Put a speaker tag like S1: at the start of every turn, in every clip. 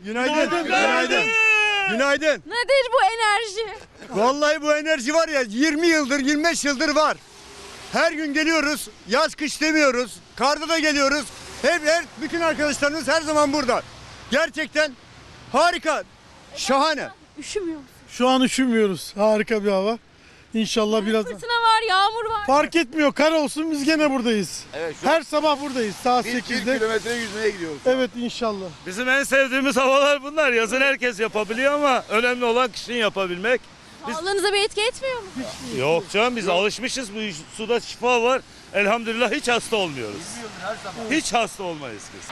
S1: Günaydın. Günaydın. Günaydın.
S2: Nedir bu enerji?
S1: Vallahi bu enerji var ya 20 yıldır 25 yıldır var. Her gün geliyoruz. Yaz kış demiyoruz. Karda da geliyoruz. Bütün arkadaşlarımız her zaman burada. Gerçekten harika. Şahane.
S2: Üşümüyor musun?
S3: Şu an üşümüyoruz. Harika bir hava. İnşallah birazdan.
S2: Fırtına var, yağmur var.
S3: Fark etmiyor. Kar olsun biz gene buradayız.
S4: Evet,
S3: Her sabah buradayız saat
S4: bir
S3: 8'de.
S4: kilometre yüzmeye gidiyoruz.
S3: Evet inşallah.
S5: Bizim en sevdiğimiz havalar bunlar. Yazın herkes yapabiliyor ama önemli olan kışın yapabilmek.
S2: Sağlığınıza bir etki etmiyor mu?
S5: Yok canım biz alışmışız, bu suda şifa var. Elhamdülillah hiç hasta olmuyoruz. Hiç hasta olmayız biz.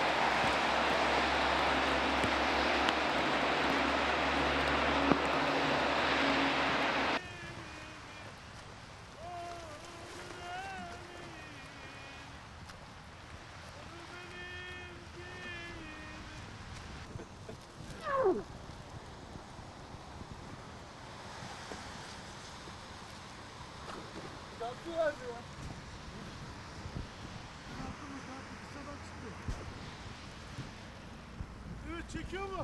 S3: Evet çekiyor mu?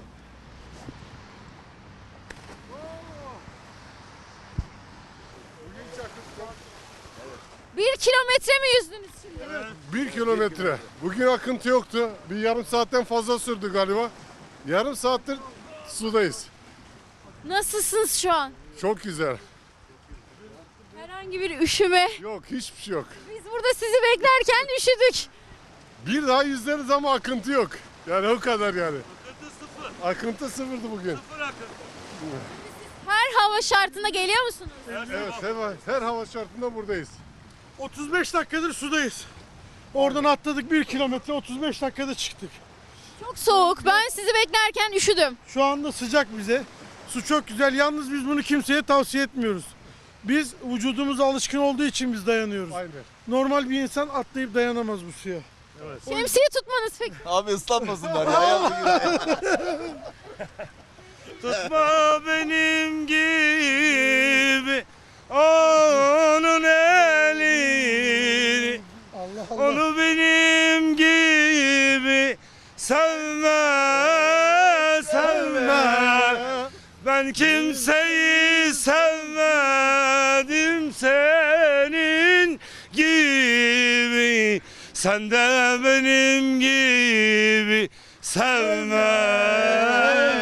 S2: Bir kilometre mi yüzdünüz şimdi?
S6: 1 kilometre. Bugün akıntı yoktu. Bir yarım saatten fazla sürdü galiba. Yarım saattir sudayız.
S2: Nasılsınız şu an?
S6: Çok güzel.
S2: Herhangi bir üşüme.
S6: Yok, hiçbir şey yok.
S2: Biz burada sizi beklerken üşüdük.
S6: Bir daha yüzleriz ama akıntı yok. Yani o kadar yani. Akıntı sıfırdı bugün.
S2: Her hava şartına geliyor musunuz?
S6: Evet, her hava şartında buradayız.
S3: 35 dakikadır sudayız. Oradan atladık 1 kilometre 35 dakikada çıktık.
S2: Çok soğuk. Ben sizi beklerken üşüdüm.
S3: Şu anda sıcak bize. Su çok güzel. Yalnız biz bunu kimseye tavsiye etmiyoruz. Biz vücudumuz alışkın olduğu için biz dayanıyoruz.
S6: Aynen.
S3: Normal bir insan atlayıp dayanamaz bu suya.
S2: Şemsiye tutmanız peki.
S4: Abi ıslanmasınlar ya.
S5: Tutma benim gibi onun elini.
S3: Allah Allah.
S5: Onu benim gibi sevme. Ben kimseyi sevmedim senin gibi. Sen de benim gibi sevme.